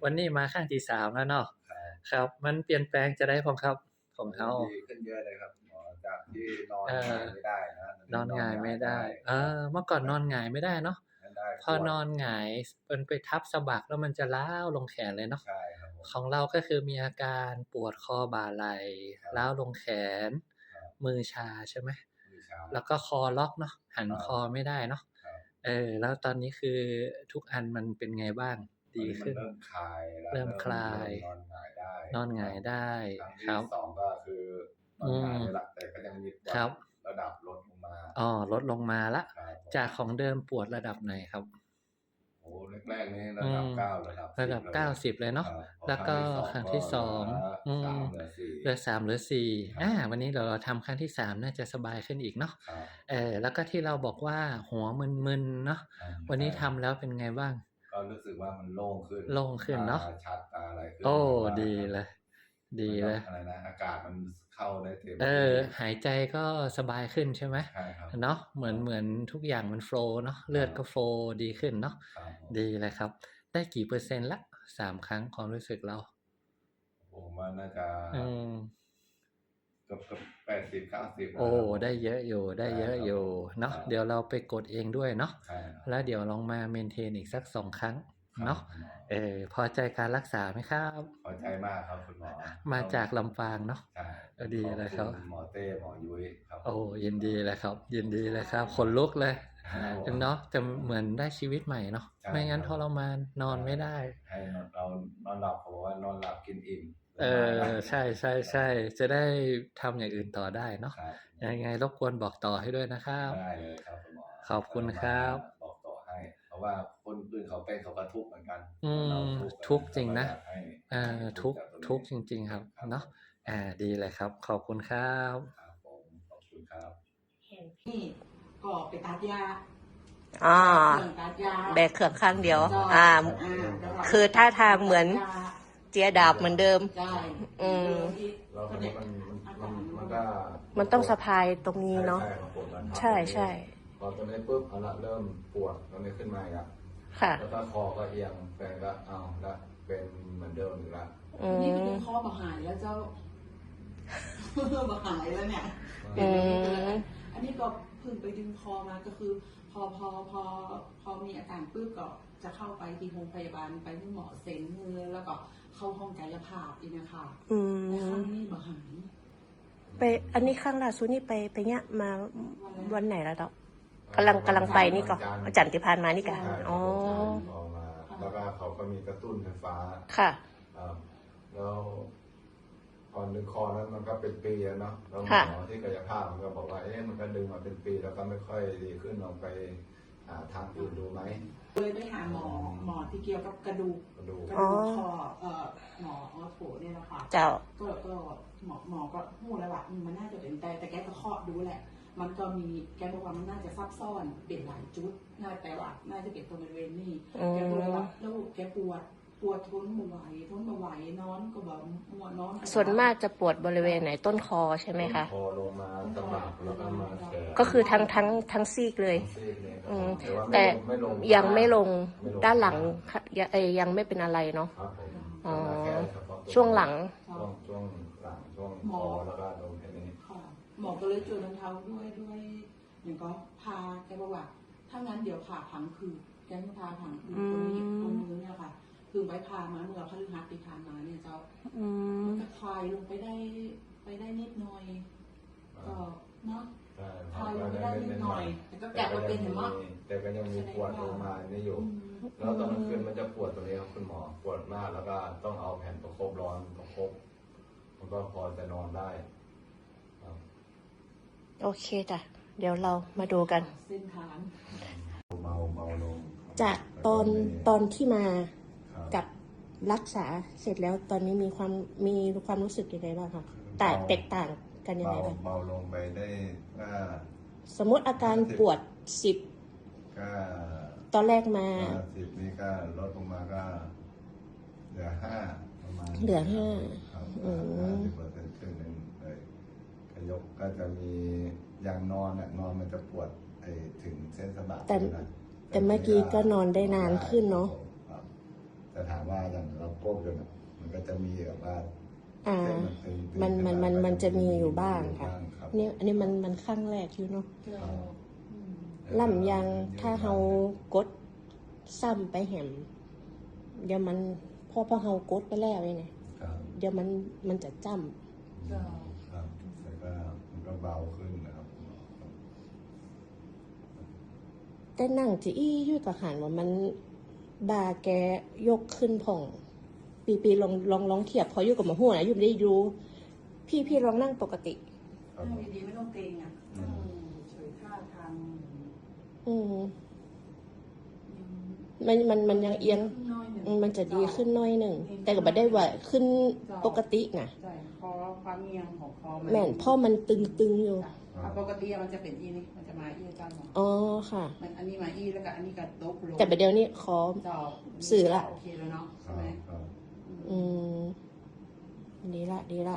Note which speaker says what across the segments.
Speaker 1: วันนี้มาครั้งที่3แล้วเนาะ
Speaker 2: ครับ
Speaker 1: ครับมันเปลี่ยนแปลงจะได้พร้อมครับของ
Speaker 2: โอ้
Speaker 1: เฮา
Speaker 2: ดีขึ้นเยอะเลยครับหมอจากที่นอน
Speaker 1: เอ
Speaker 2: หงาย
Speaker 1: อ
Speaker 2: ไม่ได้นะตอน
Speaker 1: นอนห
Speaker 2: นี้นอน
Speaker 1: งายไม่ได้
Speaker 2: หงายได้ครับ
Speaker 1: เมื่อก่อน
Speaker 2: แล้ว
Speaker 1: นอนหงายไม่ได้เนาะ
Speaker 2: ไม่ได้
Speaker 1: พอ
Speaker 2: ปวด
Speaker 1: นอนหงายมันไปทับสะบักแล้วมันจะร้าวลงแขนเลยเนาะ
Speaker 2: ใช่ครับผม
Speaker 1: ของเราก็คือมีอาการปวดคอบ่าไหล่
Speaker 2: ครับ
Speaker 1: ร้าวลงแขน
Speaker 2: ครับ
Speaker 1: มือชาใช่ไหม
Speaker 2: มือชา
Speaker 1: แล้วก็คอล็อกเนาะหัน
Speaker 2: ครับ
Speaker 1: คอไม่ได้เนาะ
Speaker 2: ครับ
Speaker 1: แล้วตอนนี้คือทุกอันมันเป็นไงบ้าง
Speaker 2: ตอน
Speaker 1: ดีขึ้น
Speaker 2: นี้มันเริ่มคลายแล้ว
Speaker 1: เริ่มคลา
Speaker 2: เริ่
Speaker 1: ย
Speaker 2: มนอนหงายได้
Speaker 1: นอนห
Speaker 2: ครับ
Speaker 1: งายได้
Speaker 2: ครั้ง
Speaker 1: ค
Speaker 2: ที่
Speaker 1: รับ
Speaker 2: 2ก็คือนอน
Speaker 1: อืม
Speaker 2: หงายนี่แหละแต่ก็ยังมีปวด
Speaker 1: ครับ
Speaker 2: ระดับลดลงมา
Speaker 1: อ๋อลดลงมาแล้ว
Speaker 2: ครับผม
Speaker 1: จากของเดิมปวดระดับไหนครับ
Speaker 2: โอ้แรกๆนี่ระ
Speaker 1: อืม
Speaker 2: ดับ9ระดับ10
Speaker 1: ระดับ
Speaker 2: เลย
Speaker 1: 90เลยเนาะ
Speaker 2: ครับพอ
Speaker 1: แล้วก็
Speaker 2: ครั้งที่2
Speaker 1: ครั้ง
Speaker 2: ก็
Speaker 1: ที่
Speaker 2: เหลือ
Speaker 1: 2อืม
Speaker 2: 3เหลือ4
Speaker 1: เหลือ3เหลือ4
Speaker 2: ครับ
Speaker 1: วันนี้เดี๋ยวเราทำครั้งที่3น่าจะสบายขึ้นอีกเนาะ
Speaker 2: ครับ
Speaker 1: แล้วก็ที่เราบอกว่าหัวมึนๆเนาะวัน
Speaker 2: ใช่
Speaker 1: นี้ทำแล้วเป็นไงบ้าง
Speaker 2: ก็รู้สึกว่ามันโล่งขึ้น
Speaker 1: โล่งขึ้น
Speaker 2: ตา
Speaker 1: เนาะ
Speaker 2: ชัดตาอะไรขึ้น
Speaker 1: โอ้
Speaker 2: แบบว่า
Speaker 1: ดีเลยดี
Speaker 2: มันก็
Speaker 1: เลย
Speaker 2: อะไรนะอากาศมันเข้าได้เต็มที่
Speaker 1: หายใจก็สบายขึ้นใช่ไหม
Speaker 2: ใช่ครับ
Speaker 1: เนาะเห
Speaker 2: ครับ
Speaker 1: มือนเหมือนทุกอย่างมันโฟลว์เนาะเลือดก็โฟลว์ดีขึ้นเนาะ
Speaker 2: ครับผม
Speaker 1: ดีเลยครับได้กี่เปอร์เซ็นต์ละ3ครั้งความรู้สึกเรา
Speaker 2: ผมว่าน่าจะ
Speaker 1: อืม
Speaker 2: เกือบ80-90แล้ว
Speaker 1: โอ้
Speaker 2: ครับผม
Speaker 1: ได้เยอะอยู่ได้
Speaker 2: ใช่
Speaker 1: เยอะอยู่
Speaker 2: ครับผม
Speaker 1: เนาะ
Speaker 2: ครับ
Speaker 1: เดี๋ยวเราไปกดเองด้วยเนาะ
Speaker 2: ใช่ครับ
Speaker 1: แล้วเดี๋ยวลองมาเมนเทนอีกสัก2ครั้ง
Speaker 2: ครับ
Speaker 1: เนาะ
Speaker 2: คุณหมอ
Speaker 1: พอใจการรักษาไหมครับ
Speaker 2: พอใจมากครับคุณหมอ
Speaker 1: มา
Speaker 2: ต้อง
Speaker 1: จากลำปางเนาะ
Speaker 2: ใช่
Speaker 1: ดี
Speaker 2: ขอบคุณ
Speaker 1: เลยครับ
Speaker 2: หมอเต้หมอยุ้ยครับผ
Speaker 1: โอ้
Speaker 2: ม
Speaker 1: ยินดีเลยครับยินดีเลยครับขนลุกเลย
Speaker 2: ครับผม
Speaker 1: เนาะแต่เหมือนได้ชีวิตใหม่เนาะ
Speaker 2: ใช่
Speaker 1: ไม่งั้นท
Speaker 2: ครับ
Speaker 1: รมานนอนไม่ได้
Speaker 2: ให้เรานอนหลับเขาบอกว่านอนหลับกินอิ่มส
Speaker 1: เอ
Speaker 2: บายนะ
Speaker 1: ใช่ๆๆจะได้ทำอย่างอื่นต่อได้เนาะ
Speaker 2: ครับ
Speaker 1: ยังไงรบกวนบอกต่อให้ด้วยนะครับ
Speaker 2: ได้เลยครับคุณหมอ
Speaker 1: ขอบคุณค
Speaker 2: ก็มา
Speaker 1: รับ
Speaker 2: บอกต่อให้เพราะว่าคนอื่นเขาเป็นเขาก็ทุกข์เหมือนกัน
Speaker 1: อื
Speaker 2: เหมือนเรา
Speaker 1: ม
Speaker 2: ทุกข์
Speaker 1: ทุกข์จริ
Speaker 2: เขา
Speaker 1: งนะ
Speaker 2: ก็อยากให้หายทุก
Speaker 1: ทุกข์
Speaker 2: ข์จากตรงนี้
Speaker 1: ทุกข์จริงๆครับเนาะ
Speaker 2: ครับผม
Speaker 1: ดีเลยครับขอบคุณครับ
Speaker 2: ครับผมขอบคุณครับ
Speaker 3: เห็นพี่ก็ไปตัดยา
Speaker 4: อ่า
Speaker 3: เครื่องตัดยา
Speaker 4: แบกเครื่องข้างเดียว
Speaker 3: ใช่
Speaker 4: แล้วก็คือท่าทางเหมือนเจียดาบเหมือนเดิม
Speaker 3: ใช่
Speaker 4: อืม
Speaker 2: แล้วคราวนี้มันก็
Speaker 4: มันต้องสะพายตรงนี้เนาะ
Speaker 2: ใช่ครับผมมันทับ
Speaker 4: ใช่ใช่
Speaker 2: พอตรงนี้ปุ๊บเอาละเริ่มปวดตรงนี้ขึ้นมาอีกแล้ว
Speaker 4: ค่ะ
Speaker 2: แล้วก็คอก็เอียงแฟนก็เอาละเป็นเหมือนเดิมอีกแล้ว
Speaker 4: อื
Speaker 3: นี่ก็
Speaker 4: ม
Speaker 3: ดึงคอมาหายแล้วเจ้า มาหายแล้วเนี่ย
Speaker 4: อืม
Speaker 3: อันนี้ก็เพิ่งไปดึงคอมาก็คือ พอมีอาการปุ๊บก็จะเข้าไปที่โรงพยาบาลไปที่หมอเซ็นมือแล้วก็เข้าห้องกายภาพอีกนะคะ
Speaker 4: อื
Speaker 3: แต่ครั้
Speaker 4: ม
Speaker 3: งนี้มาหาย
Speaker 4: ไปอันนี้ข้างล่าสุดนี่ไปเนี่ยมาวันไหนแล้วเนาะกำลังไปนี่ก็อาจารย์ที่ผ่านมานี่กัน
Speaker 2: ใช่ครับ
Speaker 4: อ๋อ
Speaker 2: ออกมาแล้วก็เขาก็มีกระตุ้นไฟฟ้า
Speaker 4: ค่ะ
Speaker 2: ครับแล้วก่อนดึงคอนั้นมันก็เป็นปีแล้วเนาะแล้วหม
Speaker 4: ค่ะ
Speaker 2: อที่กายภาพมันก็บอกว่ามันก็ดึงมาเป็นปีแล้วก็ไม่ค่อยดีขึ้นลองไปหาทางอื่นดูไหม
Speaker 3: เลยไปหาหมอที่เกี่ยวกับกระดูก
Speaker 2: กระดูก
Speaker 3: กระดูกคอหมอออโถเนี่ยนะคะ
Speaker 4: เจ้า
Speaker 3: ก็หมอก็พูดแล้วว่ามันน่าจะเป็นแต่แกก็เคาะดูแหละ มันก็มีแกบอกว่ามันน่าจะซับซ้อนเป็นหลายจุดน่าแต่ว่าน่าจะเป็นตรงบริเวณนี้
Speaker 4: อืม
Speaker 3: แกก็เลยว่าแล้วแกปวดทนไม่ไหวนอนก็แบบมัวนอน
Speaker 4: ส่วนมากจะปวดบริเวณไหนต้นคอใช่ไหมคะ
Speaker 2: คอลงมาสะบักแล้วก็มาแขน
Speaker 4: ก็คือทั้งซีกเลย
Speaker 2: ซีกเนี่ย
Speaker 4: อืม
Speaker 2: แต่ว่า
Speaker 4: แต่
Speaker 2: ไม่ลง
Speaker 4: ยังไม่ลง
Speaker 2: ไม่ลง
Speaker 4: ด้านหลังค่ะยังไม่เป็นอะไรเนาะ
Speaker 2: ครับผม
Speaker 4: อ๋อ
Speaker 2: แค่เฉพาะตัว
Speaker 4: ช่วงหลัง
Speaker 2: ช่วงหลังช่วงคอแล้วก็ลงแค่นี้
Speaker 3: ค่ะหมอก็เลยจูนรองเท้าด้วยอย่างก็พาแกบอกว่าถ้างั้นเดี๋ยวผ่าผังคือแกไม่พาผังคือคนมือเนี่ยค่ะ คือไปพามาเมื่อพฤหัสที่ผ่านมาเนี่ยเจ้า
Speaker 4: อืม
Speaker 3: ก็คลายลงไปได้นิดหน่อยก็เนาะ
Speaker 2: ใช่
Speaker 3: คลายลงไปได้นิดหน่อยแต่ก็กลับมาเป็นเห็นมั้ย
Speaker 2: แต่ก็ยังมีปวดลงมานี่อยู่ แล้วตอนกลางคืนมันจะปวดตรงนี้ครับคุณหมอปวดมากแล้วก็ต้องเอาแผ่นประคบร้อนประคบมันก็พอจะนอนได้ครับ
Speaker 4: โอเคจ้ะ เดี๋ยวเรามาดูกัน
Speaker 3: เส้นทาง
Speaker 2: เมาลง
Speaker 4: จากตอนที่มา
Speaker 2: ครับ
Speaker 4: กับรักษาเสร็จแล้วตอนนี้มีความรู้สึกยังไงบ้างคะแตกต่างกันยังไงบ้าง
Speaker 2: เบาลงไปได้ก็
Speaker 4: สมมติอาการปวด10
Speaker 2: ก็
Speaker 4: ตอนแรกมา
Speaker 2: 10นี่ก็ลดลงมาก็เหลือ5ประมาณ
Speaker 4: เหลือ5
Speaker 2: ครับ
Speaker 4: อืม
Speaker 2: 50%ครึ่งหนึ่งเลยขยกก็จะมีอย่างนอนมันจะปวดถึงเส้นสะบัก
Speaker 4: แต่
Speaker 2: นะ
Speaker 4: แต่เมื่อกี้ก็นอนได้นานขึ้นเนาะ
Speaker 2: ครับแต่ถามว่าอย่างเราก้มจนมันก็จะมีแบบว่า
Speaker 4: อ่า
Speaker 2: เส้นมันตึงๆ
Speaker 4: มันจะมีอยู่บ้างค่ะ
Speaker 2: ครับ
Speaker 4: นี่อันนี้มันข้างแรกอยู่เนาะ
Speaker 3: เจ้าอืม
Speaker 4: ล่ำยังถ้าเฮากดซ้ำไปแหมเดี๋ยวมันพอเฮากดไปแล้วเนี่ย
Speaker 2: ครับ
Speaker 4: เดี๋ยวมันจะจ้ำ
Speaker 3: เจ้า
Speaker 2: ครับแล้วก็มันก็เบาขึ้นนะครับ
Speaker 4: แต่นั่งจะอี้อยู่กับหันว่ามันบาแกยกขึ้นผ่อง ปีลองเทียบพออยู่กับหมอหัวนะอยู่ไม่ได้รู้พี่ลองนั่งปกติ
Speaker 2: ครับ
Speaker 3: นั่งดีๆไม่ต้องเกรงอ่ะเฉยท่าทาง
Speaker 4: อืม
Speaker 3: ยัง
Speaker 4: มันยังเอียง
Speaker 3: น้อยหนึ่ง
Speaker 4: มันจะดีขึ้นหน้อยหนึ่งแต่ก็ไม่ได้ว่าขึ้นปกตินะ
Speaker 3: ใช่คอความเอียงของคอ
Speaker 4: แม่นเพ่อมันตึงอยู่
Speaker 3: ถ้าปกติมันจะเป็นอีนี่มันจะมาอีเจ้าเนาะ
Speaker 4: อ๋อค่ะ
Speaker 3: มันอันนี้มาอีแล้วก็อันนี้ก็ตกลง
Speaker 4: แต่ประเดี๋ยวนี้ขอ
Speaker 3: จอบ
Speaker 4: สื่อละ
Speaker 3: โอเคแล้วเนาะ
Speaker 2: ค
Speaker 3: ใช่
Speaker 2: รับ
Speaker 3: ไหม
Speaker 2: ครับ
Speaker 4: อืมดีละ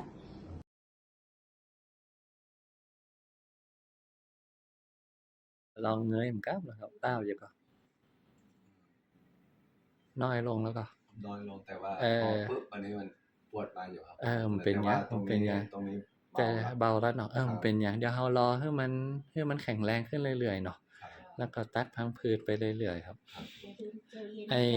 Speaker 1: ลองเงยมันกลับนะครับเต้าอยู่ก็น้อยลงแล้วก็
Speaker 2: น้อยลงแต่ว่า
Speaker 1: เออ
Speaker 2: พอปุ๊บอันนี้มันปวดมาอยู่ครับ
Speaker 1: มันเป็นไง
Speaker 2: แต่ว่าตรง
Speaker 1: มันเป็นไง
Speaker 2: ตรงนี้
Speaker 1: แต่
Speaker 2: เบาครับ
Speaker 1: เบาแล้วเนาะมันเป็นอย่างเดี๋ยวเรารอให้มันแข็งแรงขึ้นเรื่อยๆเนาะ
Speaker 2: ครับ
Speaker 1: แล้วก็ตัดพังผืดไปเรื่อยๆครับไอ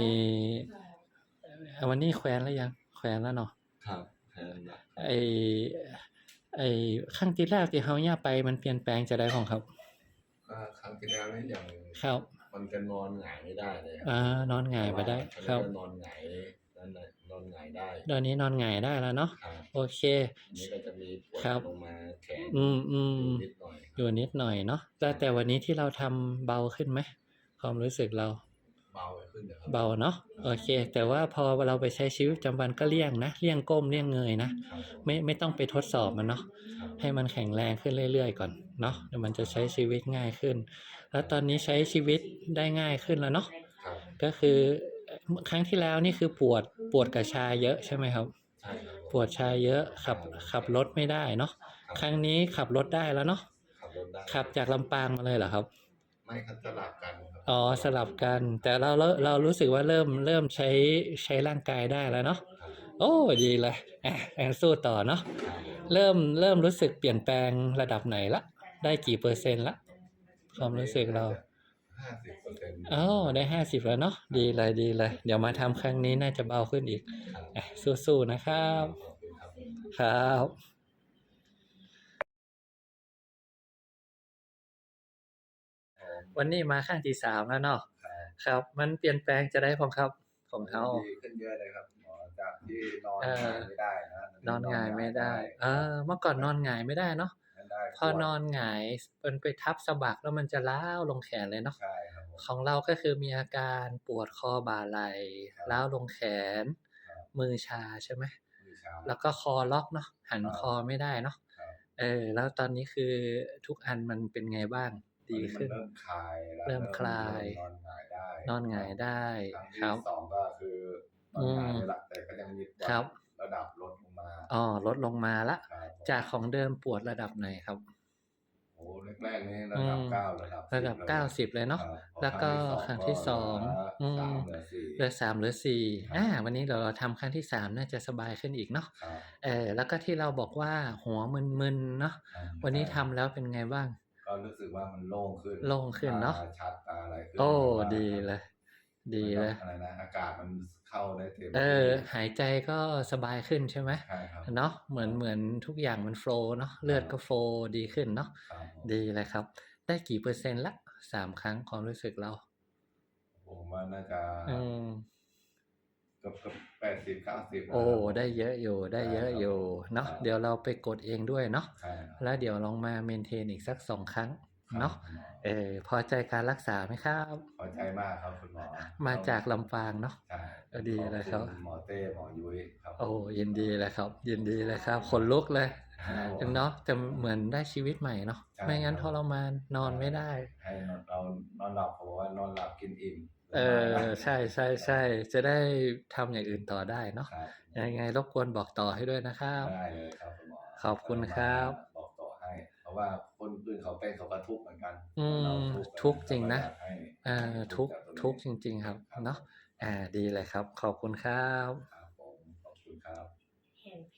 Speaker 1: วันนี้แควนแล้วยังแควนแล้วเนาะ
Speaker 2: ครับแค่นั้นนะ
Speaker 1: ไอไอครั้งที่แรกที่เฮาย่าไปมันเปลี่ยนแปลงจะได้ของครับ
Speaker 2: ก็ครั้งที่แล้วนี่อย่าง
Speaker 1: ครับ
Speaker 2: มันจะนอนหงายไม่ได้เลย
Speaker 1: นอนหงายไปได้ครับ
Speaker 2: อันนี้ก็นอนหงายนั่นแหละนอนหงายได้
Speaker 1: ตอนนี้นอนหงายได้แล้วเนาะ
Speaker 2: ครับ
Speaker 1: โอเค
Speaker 2: อันนี้ก็จะมีปวด
Speaker 1: ครับ
Speaker 2: ลงมาแขน
Speaker 1: อืม
Speaker 2: นิดหน่อย
Speaker 1: อยู่นิดหน่อยเนาะแต่วันนี้ที่เราทำเบาขึ้นไหมความรู้สึกเรา
Speaker 2: เบาขึ้นเดี๋ยวครับ
Speaker 1: เบาเนาะโอเค แต่ว่าพอเราไปใช้ชีวิตประจำวันก็เลี่ยงนะเลี่ยงก้มเลี่ยงเงยนะครับ ไม่ต้องไปทดสอบมันเนาะ
Speaker 2: ครับ
Speaker 1: ให้มันแข็งแรงขึ้นเรื่อยๆก่อนเนาะเดี๋ยวมันจะใช้ชีวิตง่ายขึ้น แล้วตอนนี้ใช้ชีวิตได้ง่ายขึ้นแล้วเนาะ
Speaker 2: ครับ
Speaker 1: ก็คือครั้งที่แล้วนี่คือปวดกับชาเยอะใช่ไหมครับ
Speaker 2: ใช่ครับ
Speaker 1: ปวดชาเยอะขับรถไม่ได้เนาะครั้งนี้ขับรถได้แล้วเนาะ
Speaker 2: ขับรถได้
Speaker 1: ขับจากลำปางมาเลยเหรอครับ
Speaker 2: ไม่ครับสลับกันครับ
Speaker 1: อ๋อสลับกัน แต่เรารู้สึกว่าเริ่มใช้ร่างกายได้แล้วเนาะ
Speaker 2: ครับ
Speaker 1: โอ้ดีเลยสู้ต่อเนาะ
Speaker 2: ครับ
Speaker 1: เริ่มรู้สึกเปลี่ยนแปลงระดับไหนละได้กี่เปอร์เซ็นต์ละความรู้สึกเรา
Speaker 2: 50%
Speaker 1: อ๋อได้50แล้วเนาะดีเลยเดี๋ยวมาทำครั้งนี้น่าจะเบาขึ้นอีก
Speaker 2: ครับ
Speaker 1: สู้ๆนะครับ
Speaker 2: ขอบคุณครับ
Speaker 1: ครับวันนี้มาครั้งที่3แล้วเนาะครับ มันเปลี่ยนแปลงจะได้ของครับของเฮา
Speaker 2: ดีขึ้นเยอะเลยครับหมอจากที่นอน
Speaker 1: เออ
Speaker 2: หงายไม่ได้นะ
Speaker 1: นอนหงายไม่ได้เมื่อก่อนนอนหงายไม่ได้เนาะ
Speaker 2: ไม่ได้
Speaker 1: พอนอนหงายมันไปทับสะบักแล้วมันจะล้าวลงแขนเลยเนาะ
Speaker 2: ใช่ครับผม
Speaker 1: ของเราก็คือมีอาการปวดคอบ่าไหล่ล้าวลงแขน
Speaker 2: ครับ
Speaker 1: มือชาใช่ไหม
Speaker 2: มือชา
Speaker 1: แล้วก็คอล็อกเนาะหันคอไม่ได้เนาะ
Speaker 2: ครับ
Speaker 1: แล้วตอนนี้คือทุกอันมันเป็นไงบ้างดีขึ้น
Speaker 2: เริ่มคลายแล้ว
Speaker 1: เริ่มคลาย
Speaker 2: นอนหงายได้
Speaker 1: นอนหงายได้
Speaker 2: ครั้ง
Speaker 1: ค
Speaker 2: ที่
Speaker 1: รับ
Speaker 2: สองก็คือนอนหงายเลยละแต่ก็ยังมีปวด
Speaker 1: ครับ
Speaker 2: ระดับลดลงมา
Speaker 1: ลดลงมาละ
Speaker 2: ครับผม
Speaker 1: จากของเดิมปวดระดับไหนครับ
Speaker 2: โอ้แรกๆนี่ระดับ9ระดับ
Speaker 1: ระดับ
Speaker 2: 10
Speaker 1: 90เลยเนาะ
Speaker 2: ครับ
Speaker 1: แล้วก็ครั้งที่สอง
Speaker 2: เหลือ3เหลือ4
Speaker 1: เหลือ3เหลือ4วันนี้เราทำครั้งที่3น่าจะสบายขึ้นอีกเนาะ
Speaker 2: ครับ
Speaker 1: แล้วก็ที่เราบอกว่าหัวมึนๆเนาะวันนี้ทำแล้วเป็นไงบ้าง
Speaker 2: ก็รู้สึกว่ามันโล่งขึ้น
Speaker 1: โล่งขึ้นเนอะ
Speaker 2: ตชัดตาอะไรขึ้น
Speaker 1: โอ้
Speaker 2: แบบว่า
Speaker 1: ดีเลย
Speaker 2: อะไรนะอากาศมันเข้าได้เต็ม
Speaker 1: หายใจก็สบายขึ้นใช่ไหม
Speaker 2: ใช่ครับ
Speaker 1: เนาะเหมือนทุกอย่างมันโฟลว์เนาะเลือดก็โฟลว์ดีขึ้นเนาะ
Speaker 2: ครับผม
Speaker 1: ดีเลยครับ ได้กี่เปอร์เซ็นต์ละ3ครั้งความรู้สึกเรา
Speaker 2: ผมว่าน่าจะ
Speaker 1: อืม
Speaker 2: เกือบ80-90
Speaker 1: โอ้ได้เยอะอยู่เนาะ
Speaker 2: ครับ
Speaker 1: เดี๋ยวเราไปกดเองด้วยเนาะ
Speaker 2: ใช่ครับ
Speaker 1: แล้วเดี๋ยวลองมาเมนเทนอีกสัก2ครั้งเนาะ
Speaker 2: ครับ
Speaker 1: พอใจการรักษาไหมครับ
Speaker 2: พอใจมากครับคุณหมอ
Speaker 1: มาจากลำปางเนาะ
Speaker 2: ใช่
Speaker 1: ดีเลยครับ
Speaker 2: ขอณหมอเต้หมอยุ้ยครับ
Speaker 1: โอ้ยินดีเลยครับยินดีเลยครับขนลุกเลย
Speaker 2: ครับผม
Speaker 1: เนาะแต่เหมือนได้ชีวิตใหม่เนาะ
Speaker 2: ใช่
Speaker 1: ไม่งั้นทรมานนอนไม่ได้
Speaker 2: ให้เรานอนหลับเขาบอกว่านอนหลับกินอิ่ม
Speaker 1: ใช่จะได้ทำอย่างอื่นต่อได้เนาะ
Speaker 2: ครับ
Speaker 1: ยังไงรบกวนบอกต่อให้ด้วยนะครับ
Speaker 2: ได้เลยครับคุณหมอ
Speaker 1: ขอบคุณครับ
Speaker 2: บอกต่อให้ เพราะว่าคนอื่นเขาเป็นเขาก็ทุกข์เหมือนกัน
Speaker 1: อืม
Speaker 2: เรา
Speaker 1: ทุกข์จริงนะ
Speaker 2: เราก็อยากให้
Speaker 1: ทุกข์จริง ๆ ครับเนาะดีเลยครับ ขอบคุณครับ
Speaker 2: ครับผมขอบคุณครับ
Speaker 4: เห็น